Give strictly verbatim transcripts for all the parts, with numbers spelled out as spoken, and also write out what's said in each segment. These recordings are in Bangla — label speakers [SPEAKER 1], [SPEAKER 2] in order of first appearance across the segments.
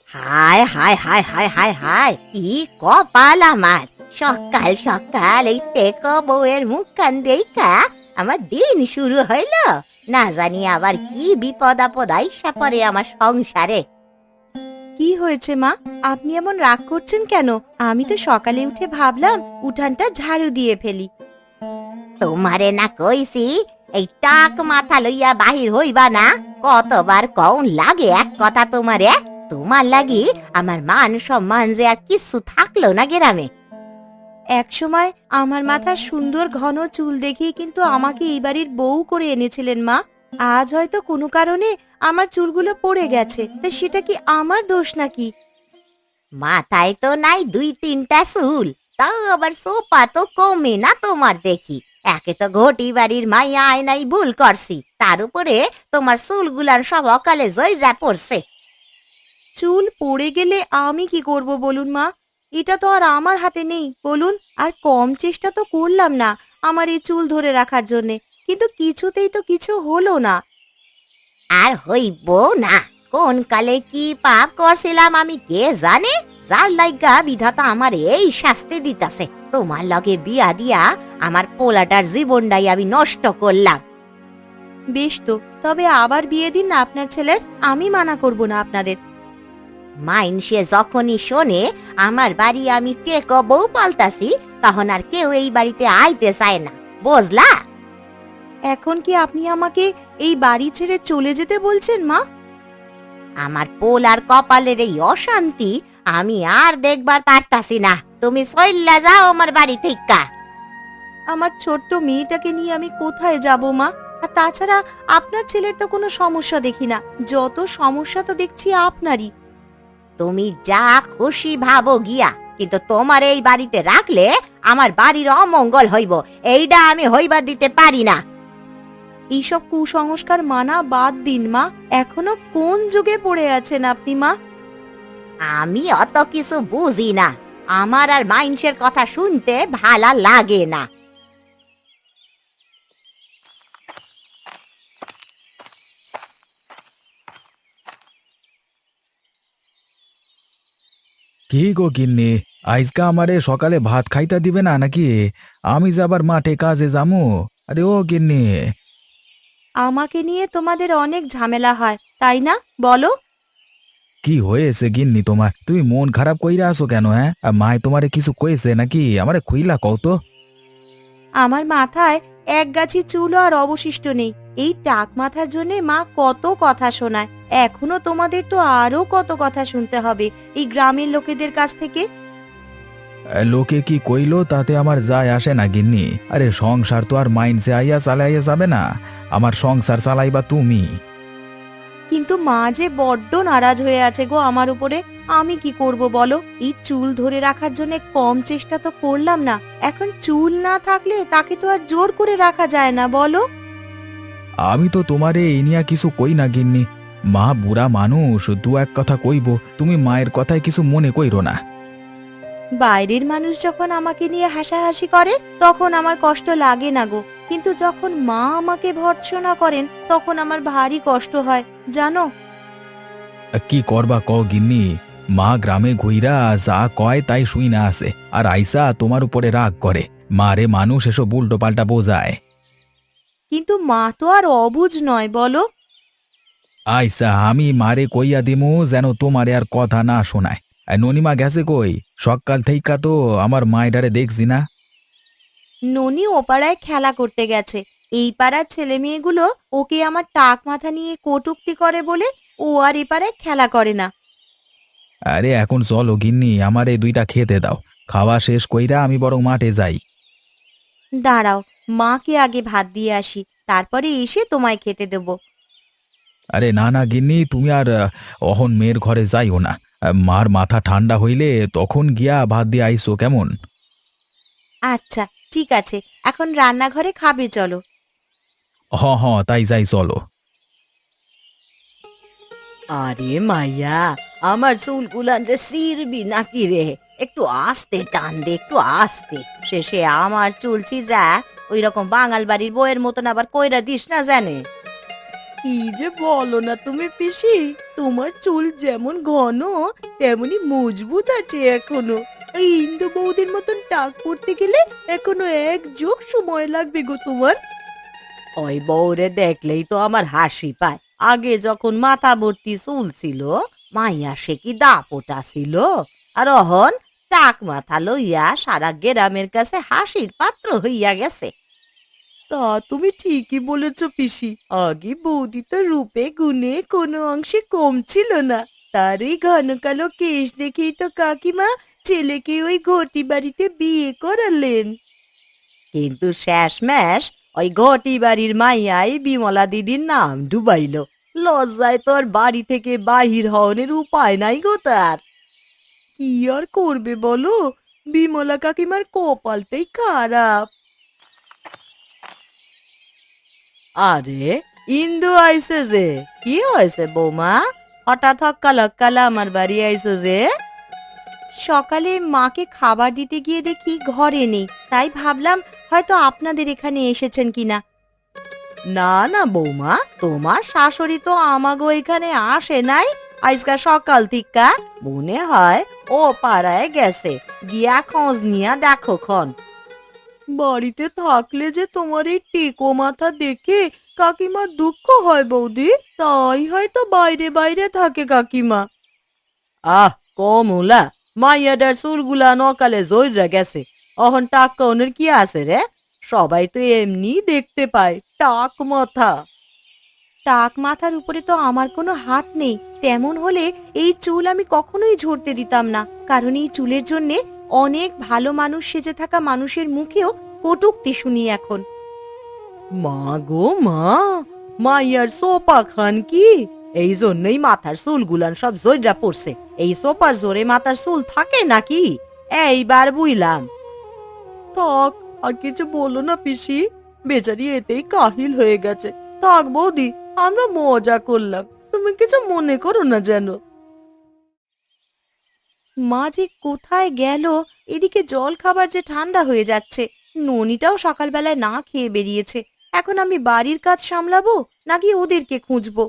[SPEAKER 1] হায় হায় হায় হায় হায় হায়, কি কপাল আমার! সকাল সকাল এই টেকো বউয়ের মুখখান দেইখা আমার দিন শুরু হইল। না জানি আবার কি বিপদ আপদ আইসা পড়ে আমার সংসারে।
[SPEAKER 2] কি হয়েছে মা? আপনি এমন রাগ করছেন কেন? আমি তো সকালে উঠে ভাবলাম উঠানটা ঝাড়ু দিয়ে ফেলি।
[SPEAKER 1] তোমারে না কইছি এই টাক মাথা লইয়া বাহির হইবা না? কতবার কউন লাগে এক কথা তোমারে? তোমার লাগি আমার মান সম্মান যে আর কিছু থাকলো না গ্রামে।
[SPEAKER 2] এক সময় আমার মাথার সুন্দর ঘন চুল দেখেই কিন্তু আমাকে এই বাড়ির বউ করে এনেছিলেন মা। আজ হয়তো কোনো কারণে আমার চুলগুলো পড়ে গেছে, তা সেটা কি আমার দোষ নাকি?
[SPEAKER 1] মাথায় তো নাই দুই তিনটা চুল, তাও আবার সোপা তো কমে না তোমার দেখি। একে তো ঘটি বাড়ির মাইয়া আয়নাই ভুল করছি, তার উপরে তোমার চুলগুলার সব অকালে জয়রা পড়ছে।
[SPEAKER 2] চুল পড়ে গেলে আমি কি করব বলুন মা? এটা তো আর আমার হাতে নেই বলুন। আর কম চেষ্টা তো করলাম না আমার এই চুল ধরে রাখার জন্যে, কিন্তু কিছুতেই তো কিছু হলো না।
[SPEAKER 1] আর হইব না, কোন কালে কি পাপ করছিলাম আমি কে জানে, যার লাইগা বিধাতা আমার এই শাস্তি দিতাছে। তোমার লগে বিয়া দিয়া আমার পোলাটার জীবনটাই আমি নষ্ট করলাম।
[SPEAKER 2] বেশ তো, তবে আবার বিয়ে দিন না আপনার ছেলের, আমি মানা করব না আপনাদের।
[SPEAKER 1] মাইনসে যখনই শোনে আমার বাড়ি আমি টেকো বউ পাল্টাছি, তখন আর কেউ এই বাড়িতে আইতে চায় না, বুঝলা?
[SPEAKER 2] এখন কি আপনি আমাকে এই বাড়ি ছেড়ে চলে যেতে বলছেন মা?
[SPEAKER 1] আমার পোলার কপালের এই অশান্তি আমি আর দেখবার পারতাছি না। তুমি চইল্লা যাও আমার বাড়ি থেকে।
[SPEAKER 2] আমার ছোট্ট মেয়েটাকে নিয়ে আমি কোথায় যাব মা? আর তাছাড়া আপনার ছেলের তো কোনো সমস্যা দেখি না, যত সমস্যা তো দেখছি আপনারই।
[SPEAKER 1] তুমি যা খুশি ভাবো গিয়া, কিন্তু তোমার এই বাড়িতে রাখলে আমার বাড়ির অমঙ্গল হইব, এইটা আমি হইবার দিতে পারি না।
[SPEAKER 2] এইসব কুসংস্কার মানা বাদ দিন মা। এখনো কোন যুগে পড়ে আছেন আপনি মা?
[SPEAKER 1] আমি অত কিছু বুঝি না, আমার আর মাইনসের কথা শুনতে ভালা লাগে না।
[SPEAKER 3] কি গো গিন্নি, আজকা আমারে সকালে ভাত খাইতে দিবে না নাকি? আমি যে আবার মাঠে কাজে যামু। আরে ও গিন্নি।
[SPEAKER 2] আমাকে নিয়ে তোমাদের অনেক ঝামেলা হয় তাই না, বলো?
[SPEAKER 3] কি হয়েছে গিন্নি তোমার? তুমি মন খারাপ কইরা আসো কেন? হ্যাঁ, আর মায় তোমারে কিছু কইছে নাকি? আমারে খুইলা কও তো।
[SPEAKER 2] আমার মাথায় এক গাছি চুলও আর অবশিষ্ট নেই। এই টাক মাথার জন্য মা কত কথা শোনায়। এখনো তোমাদের তো আরো কত কথা শুনতে হবে এই গ্রামের লোকেদের কাছ থেকে।
[SPEAKER 3] আহ, লোকে কি কইলো তাতে আমার যায় আসে না গিন্নি। আরে সংসার তো আর মাইনসে আইয়া চালাইয়া যাবে না। আমার সংসার চালাইবা তুমি।
[SPEAKER 2] কিন্তু মা যে বড্ড নারাজ হয়ে আছে গো আমার উপরে। আমি কি করব বলো? এই চুল ধরে রাখার জন্য কম চেষ্টা তো করলাম না। এখন চুল না থাকলে তাকে তো আর জোর করে রাখা যায় না, বলো?
[SPEAKER 3] আমি তো তোমারে এই নিয়া কিছু কই না গিন্নি। মা বুড়া মানুষ, দু এক কথা কইব, তুমি মায়ের কথায় কিছু মনে কইরো না।
[SPEAKER 2] বাইরের মানুষ যখন আমাকে নিয়ে হাসাহাসি করে তখন আমার কষ্ট লাগে না গো, কিন্তু যখন মা আমাকে ভর্ৎসনা করেন তখন আমার ভারী কষ্ট হয় জানো।
[SPEAKER 3] কি করবা কও গিন্নি? মা গ্রামে ঘুইরা যা কয় তাই শুই না আসে, আর আইসা তোমার উপরে রাগ করে। মারে মানুষ এসব উল্টো পাল্টা বোঝায়।
[SPEAKER 2] কিন্তু মা তো আর অবুঝ নয়, বলো?
[SPEAKER 3] আইসা আমি মারে কইয়া দিমু যেন তোমারে আর কথা না শোনায়। আর ননিমা গেছে কই? সকাল থেইকা তো আমার মায়েরারে দেখছি না।
[SPEAKER 2] ননি ও পাড়ায় খেলা করতে গেছে। এই পাড়ার ছেলে মেয়েগুলো ওকে আমার টাক মাথা নিয়ে কটূক্তি করে বলে ও আর এ পাড়ায় খেলা করে না।
[SPEAKER 3] আরে এখন চলো গিন্নি, আমারে দুইটা খেতে দাও। খাওয়া শেষ কইরা আমি বরং মাঠে যাই।
[SPEAKER 2] দাঁড়াও, মাকে আগে ভাত দিয়ে আসি, তারপরে এসে তোমায় খেতে দেব।
[SPEAKER 3] আরে না না গিন্নি, তুমি আর আহ, অহন মেয়ের ঘরে যাইও না। আহ, মার মাথা ঠান্ডা হইলে তখন গিয়া ভাত দিয়ে আইসো কেমন?
[SPEAKER 2] আচ্ছা ঠিক আছে, এখন রান্নাঘরে খাবে চলো।
[SPEAKER 3] হ হ তাই যাই চলো।
[SPEAKER 1] আরে মাইয়া, আমার চুলগুলান রে ছিড়বি নাকি রে? একটু আস্তে টান দে, একটু আস্তে। শেষে আমার চুল ছিড়া ওই রকম বাঙাল বাড়ির বইয়ের মতন আবার কইরা দিস না জানে।
[SPEAKER 2] কি যে বলো না তুমি পিসি, তোমার চুল যেমন ঘন তেমনি মজবুত আছে এখনো। এই ইন্দু বৌদির মতন টাক পড়তে গেলে এখনো এক যুগ সময় লাগবে গো তোমার। ওই বউরে দেখলেই তো আমার হাসি পায়। আগে যখন মাথা ভর্তি চুল ছিল, মাইয়া সে কি দাপটা ছিল, আর অহন টাক মাথা লইয়া সারা গ্রামের কাছে হাসির পাত্র হইয়া গেছে। তা তুমি ঠিকই বলেছ পিসি, আগে বৌদি তো রূপে গুণে কোনো অংশে কম ছিল না। তার এই ঘন কালো কেশ দেখেই তো কাকিমা ছেলেকে ওই ঘটি বাড়িতে বিয়ে করালেন। কিন্তু শেষমেশ ওই ঘটি বাড়ির মাইয়াই বিমলা দিদির নাম ডুবাইল। লজ্জায় তোর বাড়ি থেকে বাহির হওয়ার উপায় নাই গো তার। কি আর করবে বলো, বিমলা কাকিমার কপালটাই খারাপ। আরে ইন্দু আইছে যে, কি হয়েছে বৌমা? হঠাৎ হক্কা লক্কালা আমার বাড়ি আইছো যে? সকালে মাকে খাবার দিতে গিয়ে দেখি ঘরে নেই, তাই ভাবলাম হয়তো আপনাদের এখানে এসেছেন কিনা। না না বৌমা, তোমার শাশুড়ি তো আমাগো এখানে আসে নাই আজকা সকাল থিকা। মনে হয় ও পাড়ায় গেছে, গিয়া খোঁজ নিয়া দেখো খন। বাড়িতে থাকলে যে তোমার এই টেকো মাথা দেখে কাকিমার দুঃখ হয় বৌদি, তাই হয়তো বাইরে বাইরে থাকে কাকিমা। আহ কমুলা, মাইয়াডার চুলগুলা নকালে জইরা গেছে, অহন টাক কনের কি আছে রে? সবাই তো এমনি দেখতে পায় টাক মাথা। টাক মাথার উপরে তো আমার কোনো হাত নেই, তেমন হলে এই চুল আমি কখনোই ঝরতে দিতাম না, কারণ এই চুলের জন্যে অনেক ভালো মানুষ সেজে থাকা মানুষের মুখেও কটূক্তি শুনি এখন। মা গো মা, মাইয়ার সোপা খান কি? এই জন্যই মাথার চুলগুলান সব জইরা পড়ছে। এই সোপার জোরে মাথার চুল থাকে নাকি? এইবার বুইলাম। থাক, আর কিছু বলো না পিসি, বেচারি এতেই কাহিল হয়ে গেছে। থাক বৌদি, আমরা মজা করলাম, তুমি কিছু মনে করো না যেন। মা যে কোথায় গেল, এদিকে জল খাবার যে ঠান্ডা হয়ে যাচ্ছে, ননিটাও সকালবেলায় না খেয়ে বেরিয়েছে। এখন আমি বাড়ির কাজ সামলাবো নাকি ওদেরকে খুঁজবো?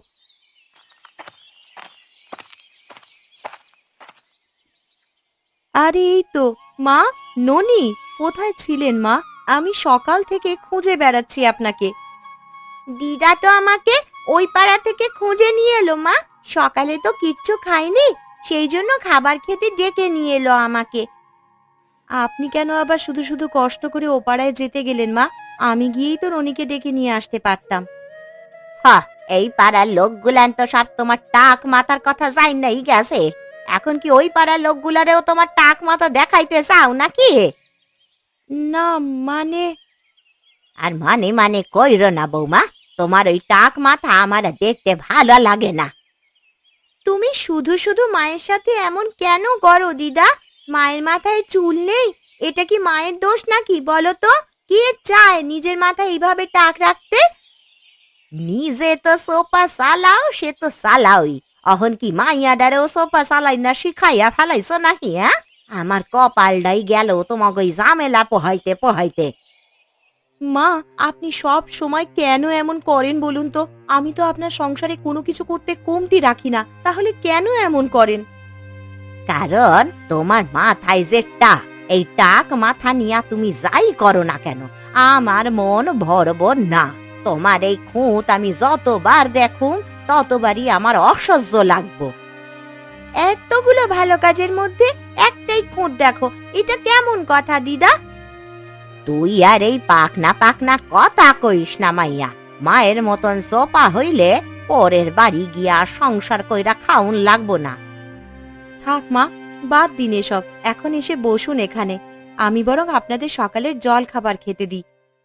[SPEAKER 2] আরে এই তো মা, ননি কোথায় ছিলেন মা? আমি সকাল থেকে খুঁজে বেড়াচ্ছি আপনাকে।
[SPEAKER 1] দিদা তো আমাকে ওই পাড়া থেকে খুঁজে নিয়ে এলো মা। সকালে তো কিচ্ছু খাইনি, সেই জন্য খাবার খেতে ডেকে নিয়ে এলো আমাকে।
[SPEAKER 2] আপনি কেন আবার শুধু শুধু কষ্ট করে ও পাড়ায় যেতে গেলেন মা? আমি গিয়েই তো রনিকে ডেকে নিয়ে আসতে পারতাম।
[SPEAKER 1] হা, এই পাড়ার লোকগুলান তো সব তোমার টাক মাথার কথা যাই নাই গেছে। এখন কি ওই পাড়ার লোকগুলারেও তোমার টাক মাথা দেখাইতে চাও নাকি?
[SPEAKER 2] না মানে,
[SPEAKER 1] আর মানে মানে কইর না বৌমা, তোমার ওই টাক মাথা আমার দেখতে ভালো লাগে না। তুমি শুধু শুধু মায়ের সাথে এমন কেন করো দিদা? মায়ের মাথায় চুল নেই, এটা কি মায়ের দোষ নাকি বলো তো? কে চায় নিজের মাথায় এইভাবে টাক রাখতে? নিজে তো সোপা চালাও, সে তো চালাওই, অহন কি মাইয়াডারেও সোপা চালাই না শিখাইয়া ফেলাইছো নাকি? হ্যাঁ, আমার কপালটাই গেল তোমাকে ওই ঝামেলা পোহাইতে পোহাইতে।
[SPEAKER 2] মা আপনি সব সময় কেন এমন করেন বলুন তো? আমি তো আপনার সংসারে কোনো কিছু করতে কমতি রাখি না, তাহলে কেন এমন করেন?
[SPEAKER 1] কারণ তোমার মাথায় যে টাক, এই টাক মাথা নিয়া তুমি যাই করো না কেন, আমার মন ভরব না। তোমার এই খুঁত আমি যতবার দেখুম ততবারই আমার অসহ্য লাগবো। এতগুলো ভালো কাজের মধ্যে একটাই খুঁত দেখো, এটা কেমন কথা দিদা? তুই আর এই পাকনা পাকনা কথা কইস না মাইয়া। মায়ের মতন সোপা হইলে পরের বাড়ি গিয়া সংসার কইরা খাউন লাগবো না।
[SPEAKER 2] থাক মা, বাদ দিন এসব, এখন এসে বসুন এখানে, আমি বরং আপনাদের সকালের জল খাবার খেতে দিই।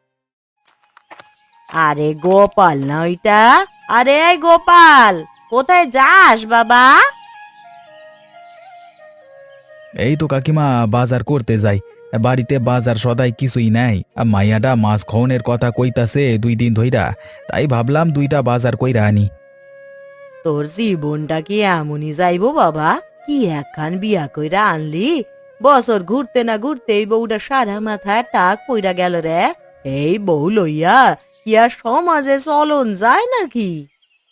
[SPEAKER 1] আরে গোপাল না ওইটা? আরে গোপাল, কোথায় যাস বাবা?
[SPEAKER 3] এই তো কাকিমা, বাজার করতে যাই। বাড়িতে বাজার সদাই কিছুই নাই। আর মাইয়াটা মাছ খাওনের কথা কইতাছে দুই দিন ধইরা, তাই ভাবলাম দুইটা বাজার কইরা আনি।
[SPEAKER 2] তোর জীবনটা কি এমনই যাইবো বাবা? কি একখান বিয়া কইরা আনলি, বছর ঘুরতে না ঘুরতে এই বউটা সারা মাথায় টাক পইরা গেল রে। এই বউ লইয়া কি আর সমাজে চলন যায় নাকি?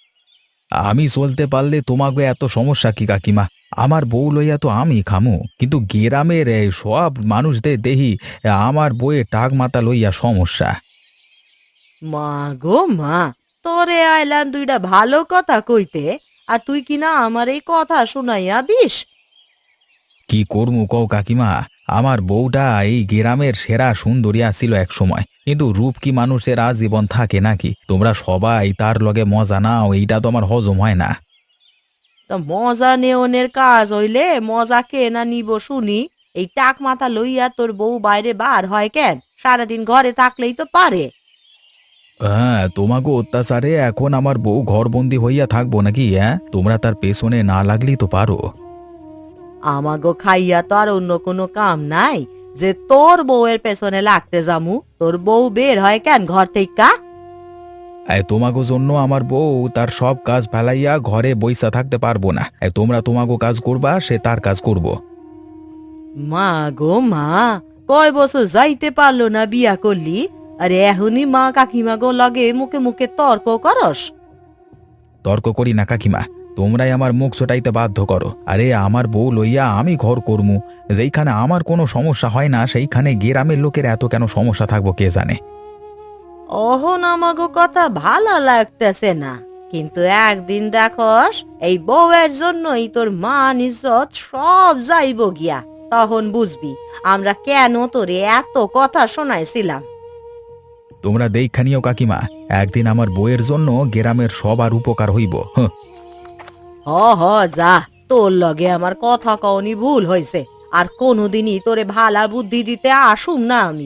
[SPEAKER 3] আমি চলতে পারলে তোমাকে এত সমস্যা কি কাকিমা? আমার বউ লইয়া তো আমি খামু, কিন্তু গ্রামের এই সব মানুষদের দেহি আমার বউয়ে টাক মাথা লইয়া সমস্যা।
[SPEAKER 2] মা গো মা, তোরে আইলাম দুইটা ভালো কথা কইতে, আর তুই কিনা আমার এই কথা শুনাইয়া দিস।
[SPEAKER 3] কি করমু কও কাকিমা? আমার বউটা এই গ্রামের সেরা সুন্দরী ছিল এক সময়, কিন্তু রূপ কি মানুষের আজীবন থাকে নাকি? তোমরা সবাই তার লগে মজা নাও, এইটা তো আমার হজম হয় না।
[SPEAKER 2] তা মজা নেওনের কাজ হইলে মজা কে না নিব শুনি? এই টাক মাথা লইয়া তোর বউ বাইরে বার হয় কেন? সারাদিন ঘরে থাকলেই তো পারে।
[SPEAKER 3] হ্যাঁ, তোমাকে অত্যাচারে এখন আমার বউ ঘরবন্দি হইয়া থাকবো নাকি? হ্যাঁ, তোমরা তার পেছনে না লাগলেই তো পারো।
[SPEAKER 2] আমাগো খাইয়া তো আর অন্য কোনো কাম নাই যে তোর বউয়ের পেছনে লাগতে যামু। তোর বউ বের হয় কেন ঘর থেকে?
[SPEAKER 3] এই তোমাগো জন্য আমার বউ তার সব কাজ ফেলাইয়া ঘরে বইসা থাকতে পারবো না। এই তোমরা তোমাগো কাজ করবা, সে তার কাজ করব।
[SPEAKER 2] মা গো মা, কয় বছর যাইতে পারলো না বিয়া করলি, আরে এখনই মা কাকিমা গো লগে মুখে মুখে তর্ক করস?
[SPEAKER 3] তর্ক করি না কাকিমা, তোমরাই আমার মুখ ছোটাইতে বাধ্য করো। আরে আমার বউ লইয়া আমি ঘর করমু, যেইখানে আমার কোনো সমস্যা হয় না সেইখানে গ্রামের লোকের এত কেন সমস্যা থাকবো কে জানে।
[SPEAKER 2] অহন আমাগো কথা ভালো লাগতেছে না, কিন্তু একদিন দেখস এই বউয়ের জন্যই তোর মান ইজ্জত সব যাইব গিয়া, তখন বুঝবি আমরা কেন তোরে এত কথা শোনাইছিলাম।
[SPEAKER 3] তোমরা দেইখানিও কাকিমা, একদিন আমার বউয়ের জন্য গ্রামের সবার উপকার হইব। হ্যাঁ,
[SPEAKER 2] হ হ যা, তোর লগে আমার কথা কওনি ভুল হয়েছে, আর কোনোদিনই তোরে ভালা বুদ্ধি দিতে আসুম না আমি।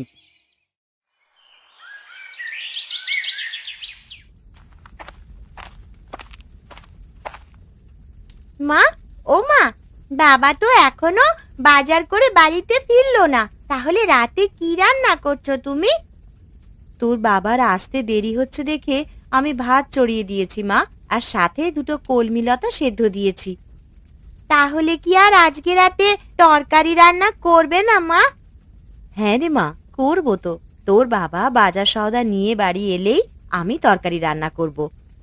[SPEAKER 1] মা, ও মা, বাবা তো এখনো বাজার করে বাড়িতে ফিরলো না, তাহলে রাতে কি রান্না করছো তুমি?
[SPEAKER 2] তোর বাবার আসতে দেরি হচ্ছে দেখে আমি ভাত চড়িয়ে দিয়েছি মা, আর সাথে দুটো কলমি লতা সেদ্ধ দিয়েছি।
[SPEAKER 1] তাহলে কি আর আজকে রাতে তরকারি রান্না করবে না মা?
[SPEAKER 2] হ্যাঁ রে মা, করবো তো। তোর বাবা বাজার সওদা নিয়ে বাড়ি এলেই আমি তরকারি রান্না করব।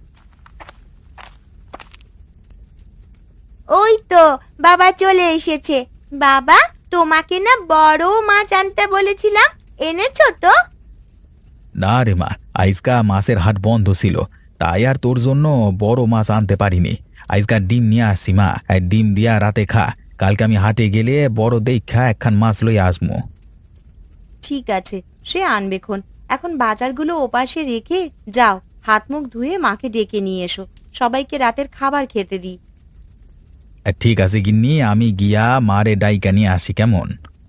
[SPEAKER 1] ওই তো বাবা চলে এসেছে। বাবা, তোমাকে না বড় মাছ আনতে বলেছিলাম, এনেছো তো?
[SPEAKER 3] না রে মা, আজকা মাছের হাট বন্ধ ছিল, তাই আর তোর জন্য বড় মাছ আনতে পারিনি। আজকাল ডিম নিয়ে আসছি মা, এই ডিম দিয়া রাতে খা। কালকে আমি হাটে গেলে বড় দেখা একখান মাছ লই আসবো।
[SPEAKER 2] ঠিক আছে, সে আনবেক্ষণ। এখন বাজারগুলো ওপাশে রেখে যাও, হাত মুখ ধুয়ে মাকে ডেকে নিয়ে এসো, সবাইকে রাতের খাবার খেতে দিই।
[SPEAKER 3] ঠিক আছে গিন্নি, আমি গিয়া মারে ডাইকা নিয়ে আসি কেমন?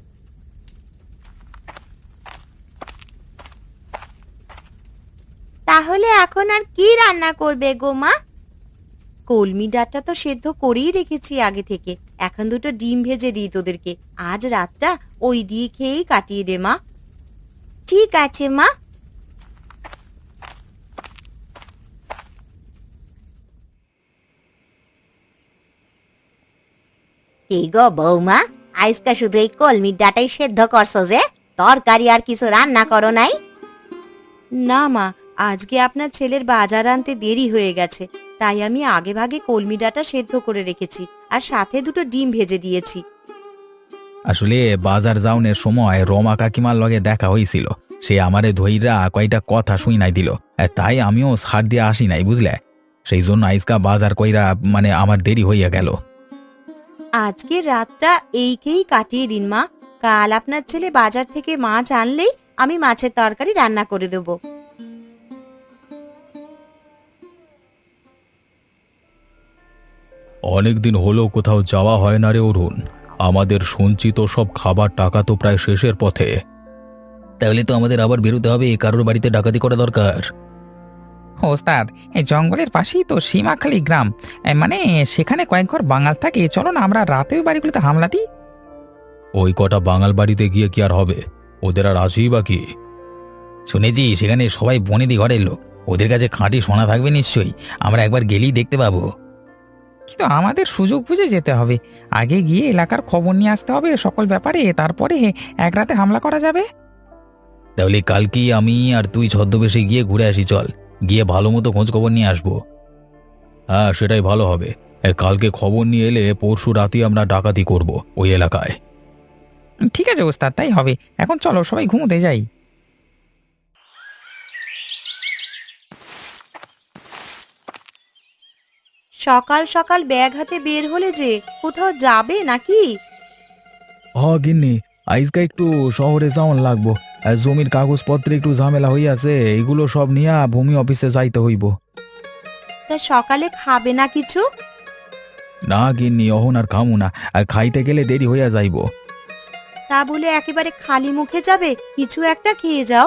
[SPEAKER 1] তাহলে এখন আর কি রান্না করবে গো মা?
[SPEAKER 2] কলমি ডাঁটটা তো সেদ্ধ করেই রেখেছি আগে থেকে, এখন দুটো ডিম ভেজে দিই তোদেরকে। আজ রাতটা ওই দিয়ে খেয়েই কাটিয়ে দে মা।
[SPEAKER 1] ঠিক আছে মা। কি গো বৌমা, আজকা শুধু এই কলমির ডাঁটাই সেদ্ধ করছো যে, তরকারি আর কিছু রান্না করো নাই?
[SPEAKER 2] না মা, আজকে আপনার ছেলের বাজার আনতে দেরি হয়ে গেছে, তাই আমি আগে ভাগে কলমি ডাঁটা সেদ্ধ করে রেখেছি, আর সাথে দুটো ডিম ভেজে দিয়েছি।
[SPEAKER 3] আসলে বাজার যাওনের সময় রমা কাকিমার লগে দেখা হয়েছিল, সে আমারে ধইরা কয়টা কথা শুই নাই দিল, তাই আমিও ছাড় দিয়ে আসি নাই বুঝলে। সেই জন্য আজকা বাজার কইরা মানে আমার দেরি হইয়া গেল।
[SPEAKER 2] আজকে রাতটা এইকেই কাটিয়ে দিন মা, কাল আপনার ছেলে বাজার থেকে মাছ আনলেই আমি মাছের তরকারি রান্না করে দেব।
[SPEAKER 3] অনেকদিন হলো কোথাও যাওয়া হয় না রে অরুণ, আমাদের সঞ্চিত সব খাবার টাকা তো প্রায় শেষের পথে। তাহলে তো আমাদের আবার বেরোতে হবে, কারোর বাড়িতে ডাকাতি করা দরকার।
[SPEAKER 4] ওস্তাদ, এই জঙ্গলের পাশেই তো সীমাখালি গ্রাম, এ, মানে সেখানে কয়েক ঘর বাঙাল থাকে, চলো না আমরা রাতে ওই বাড়িগুলোতে হামলা দিই।
[SPEAKER 3] ওই কটা বাঙাল বাড়িতে গিয়ে কি আর হবে, ওদের আর আছেই বা কি? শুনেছি সেখানে সবাই বনেদি ঘরের লোক, ওদের কাছে খাঁটি সোনা থাকবে নিশ্চয়ই, আমরা একবার গেলেই দেখতে পাবো।
[SPEAKER 4] কিন্তু আমাদের সুযোগ বুঝে যেতে হবে, আগে গিয়ে এলাকার খবর নিয়ে আসতে হবে সকল ব্যাপারে, তারপরে এক রাতে হামলা করা যাবে।
[SPEAKER 3] তাহলে কালকেই আমি আর তুই ছদ্মবেশে গিয়ে ঘুরে আসি, চল গিয়ে ভালো মতো খোঁজ খবর নিয়ে আসবো। হ্যাঁ, সেটাই ভালো হবে। এ, কালকে খবর নিয়ে এলে পরশু রাতেই আমরা ডাকাতি করব ওই এলাকায়।
[SPEAKER 4] ঠিক আছে ওস্তাদ, তাই হবে। এখন চলো সবাই ঘুমোতে যাই।
[SPEAKER 2] সকাল সকাল ব্যাগ হাতে বের হলে যে, কোথাও যাবে নাকি?
[SPEAKER 3] হ গিন্নি, আজকে একটু শহরে যাওয়ান লাগবো। আর জমির কাগজপত্রে একটু ঝামেলা হইয়াছে, এগুলো সব নিয়ে ভূমি অফিসে যাইতে হইব।
[SPEAKER 2] তা সকালে খাবে না কিছু?
[SPEAKER 3] না গিন্নি, অহন আর খামু না। আর খাইতে গেলে দেরি হইয়া যাইব।
[SPEAKER 2] তা বলে একেবারে খালি মুখে যাবে? কিছু একটা খেয়ে যাও।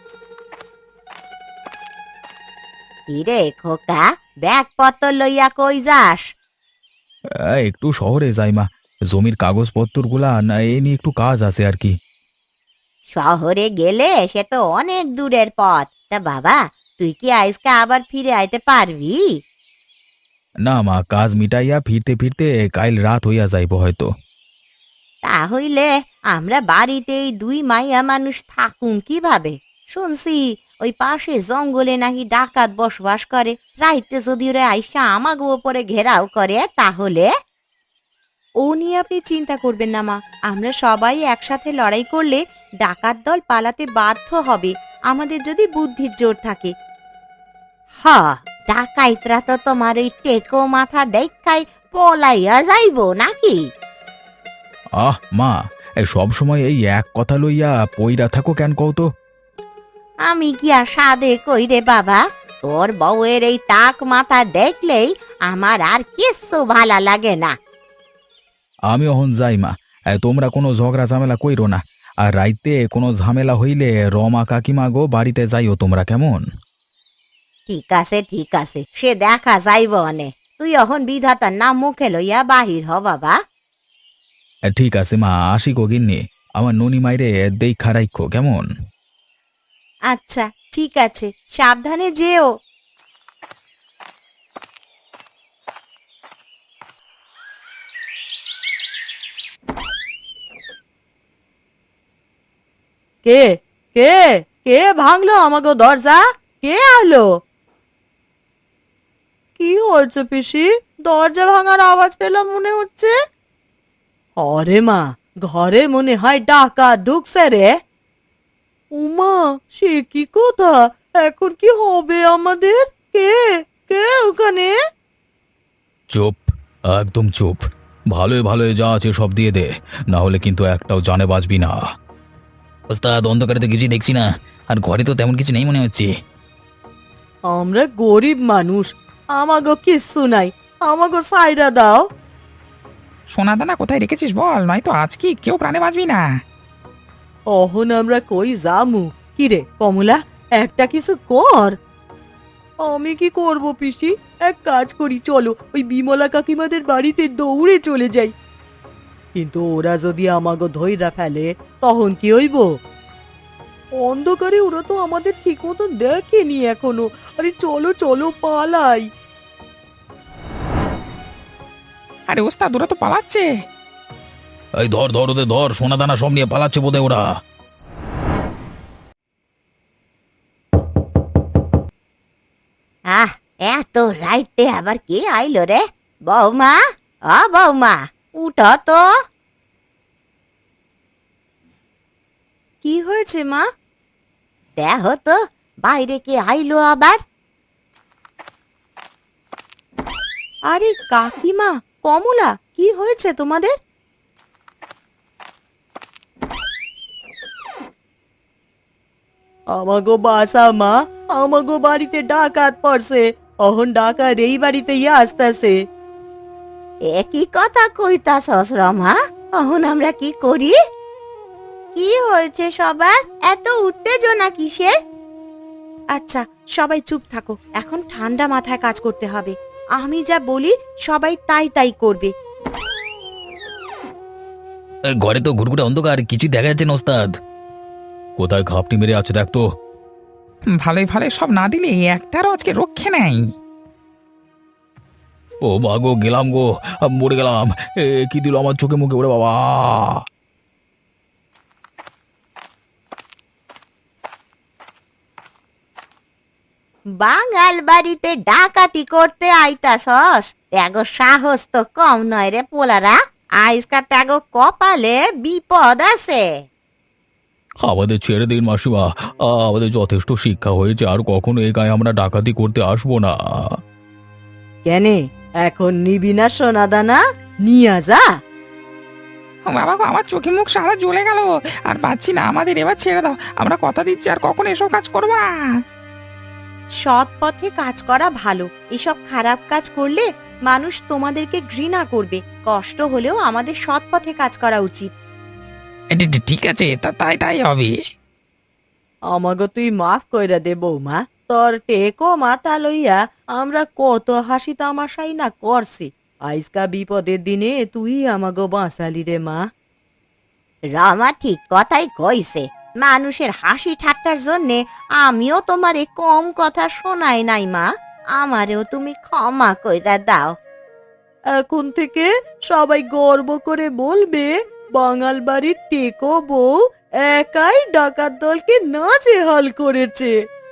[SPEAKER 1] কিরে খোকা, ব্যাগপত্র লইয়া কই যাস?
[SPEAKER 3] আ, একটু শহরে যাই মা, জমির কাগজপত্র গুলা না এ নিয়ে একটু কাজ আছে আর কি।
[SPEAKER 1] শহরে গেলে সে তো অনেক দূরের পথ। তা বাবা, তুই কি আজকে আবার ফিরে আইতে পারবি?
[SPEAKER 3] না মা, কাজ মিটাইয়া ফিরতে ফিরতে কাইল রাত হইয়া যাইব হয়তো।
[SPEAKER 1] তাহলে আমরা বাড়িতেই দুই মাইয়া মানুষ থাকুন কিভাবে? শুনছি ওই পাশে জঙ্গলে নাকি ডাকাত বসবাস করে। রাইতে যদি ওরা আইসা আমাগো উপরে ঘেরাও করে তাহলে?
[SPEAKER 2] ও নিয়ে আপনি চিন্তা করবেন না মা, আমরা সবাই একসাথে লড়াই করলে ডাকাত দল পালাতে বাধ্য হবে, আমাদের যদি বুদ্ধির জোর থাকে।
[SPEAKER 1] হ, ডাকাইতরা তো তোমার ওই টেকো মাথা দেখাই পলাইয়া যাইব নাকি?
[SPEAKER 3] আহ মা, সব সময় এই এক কথা লইয়া পইরা থাকো কেন কও তো?
[SPEAKER 1] আমি কি আর সাদে কই রে বাবা, তোর বউয়ের এই টাক মাথা দেখলেই আমার আর কিচ্ছু ভালা লাগে না।
[SPEAKER 3] আমি অহন যাই মা, এ, তোমরা কোনো ঝগড়া ঝামেলা কইরো না। আর রাইতে কোনো ঝামেলা হইলে রমা কাকিমা গো বাড়িতে যাইও তোমরা, কেমন?
[SPEAKER 1] ঠিক আছে ঠিক আছে, সে দেখা যাইব অনে। তুই এখন বিধাতার নাম মুখে লইয়া বাহির হ বাবা।
[SPEAKER 3] এ, ঠিক আছে মা, আসি গো গিন্নি। আমার ননি মাইরে দেখা রাইখো, কেমন?
[SPEAKER 2] আচ্ছা ঠিক আছে, সাবধানে যেও।
[SPEAKER 5] কে কে কে ভাঙলো আমাগো দরজা? কে আলো? কি হয়েছে পিসি? দরজা ভাঙার আওয়াজ পেলাম মনে হচ্ছে। অরে মা, ঘরে মনে হয় ডাকাত ঢুকছে রে। উমা, সে কি কথা! এখন কি হবে আমাদের? কে কে ওখানে?
[SPEAKER 3] চুপ, একদম চুপ। ভালোই ভালোই যা আছে সব দিয়ে দে, না হলে কিন্তু একটাও জানে বাঁচবি না। ওস্তাদ, অন্ধকারে তো কিছুই দেখছি না, আর ঘরে তো তেমন কিছু নেই মনে হচ্ছে।
[SPEAKER 5] আমরা গরিব মানুষ, আমাগো কিচ্ছু নাই, আমাগো সাইরা দাও।
[SPEAKER 4] সোনা দানা কোথায় রেখেছিস বল, নয়তো আজ কি কেউ প্রাণে বাঁচবি না।
[SPEAKER 5] অহন আমরা কই যামু? কিরে কমলা, একটা কিছু কর। আমি কি করব পিসি? এক কাজ করি, চলো ওই বিমলা কাকিমাদের বাড়িতে দৌড়ে চলে যাই। কিন্তু ওরা যদি আমাগো ধইরা ফেলে তখন কি হইব? অন্ধকারে ওরা তো আমাদের ঠিক মতন দেখেনি এখনো। আরে চলো চলো পালাই।
[SPEAKER 4] আরে ওস্তাদ, ওরা তো পালাচ্ছে।
[SPEAKER 3] এই ধর ধর ওদের ধর, সোনা দানা সব নিয়ে পালাচ্ছে বোধহয় ওরা।
[SPEAKER 1] আহ, এত রাইতে আবার কে আইলো রে? বৌমা, অ বৌমা, উঠো তো।
[SPEAKER 2] কি হয়েছে মা?
[SPEAKER 1] দেখো তো বাইরে কে আইলো আবার।
[SPEAKER 2] আরে কাকিমা, কমলা, কি হয়েছে তোমাদের?
[SPEAKER 5] আমাগো বাসা মা, আমাগো বাড়িতে ডাকাত পড়ছে। অহন ডাকাত এই বাড়িতে ইয়ে আসতেছে।
[SPEAKER 1] এ কি কথা কইতাছস রমা? এখন আমরা কি করি?
[SPEAKER 2] কি হয়েছে সবার, এত উত্তেজনা কিসের? আচ্ছা সবাই চুপ থাকো, এখন ঠান্ডা মাথায় কাজ করতে হবে। আমি যা বলি সবাই তাই তাই করবে।
[SPEAKER 3] এই ঘরে তো ঘুরঘুরে অন্ধকার, কিছুই দেখা যাচ্ছে না ওস্তাদ। কোথায় ঘাপটি মেরে আছে দেখ তো।
[SPEAKER 4] ভালোই ভালোই সব না দিলে একটারও আজকে রক্ষে নেই।
[SPEAKER 3] ও মা গো, গেলাম গো, মরে গেলাম। এ কি দিল আমার চোখে মুখে, ওরে বাবা!
[SPEAKER 1] বাঙাল বাড়িতে ডাকাতি করতে আইতাছস? ত্যাগ সাহস তো কম নয় রে পোলারা। আজকা ত্যাগ কপালে বিপদ আছে।
[SPEAKER 3] আমাদের ছেড়ে দিন মাসিমা, আমাদের যথেষ্ট শিক্ষা হয়েছে, আর কখনো এই গায়ে আমরা ডাকাতি করতে আসবো না।
[SPEAKER 5] কেনে এখন নিবি না সোনা দানা? নিয়া যা।
[SPEAKER 4] ও বাবা গো, আমার চোখে মুখ সারা জ্বলে গেল, আর পাচ্ছি না। আমাদের এবার ছেড়ে দাও, আমরা কথা দিচ্ছি আর কখনো এসব কাজ করবো না।
[SPEAKER 2] সৎ পথে কাজ করা ভালো। এসব খারাপ কাজ করলে মানুষ তোমাদেরকে ঘৃণা করবে। কষ্ট হলেও আমাদের সৎ পথে কাজ করা উচিত।
[SPEAKER 4] এ, ঠি- ঠি- ঠিক আছে, তা তাই তাই হবে।
[SPEAKER 5] আমাকে তুই মাফ কইরা দে বৌমা। তোর টেকো মাথা লইয়া আমরা কত হাসি তামাশাই না করছি। আজকা বিপদের দিনে তুই আমাকে বাঁচালি রে মা।
[SPEAKER 1] রমা ঠিক কথাই কইছে। মানুষের হাসি ঠাট্টার জন্যে আমিও তোমারে কম কথা শোনাই নাই মা। আমারেও তুমি ক্ষমা কইরা দাও।
[SPEAKER 5] এখন থেকে সবাই গর্ব করে বলবে বাঙাল বাড়ির টেকো বউ একাই ডাকাত দলকে নাজেহাল করেছে।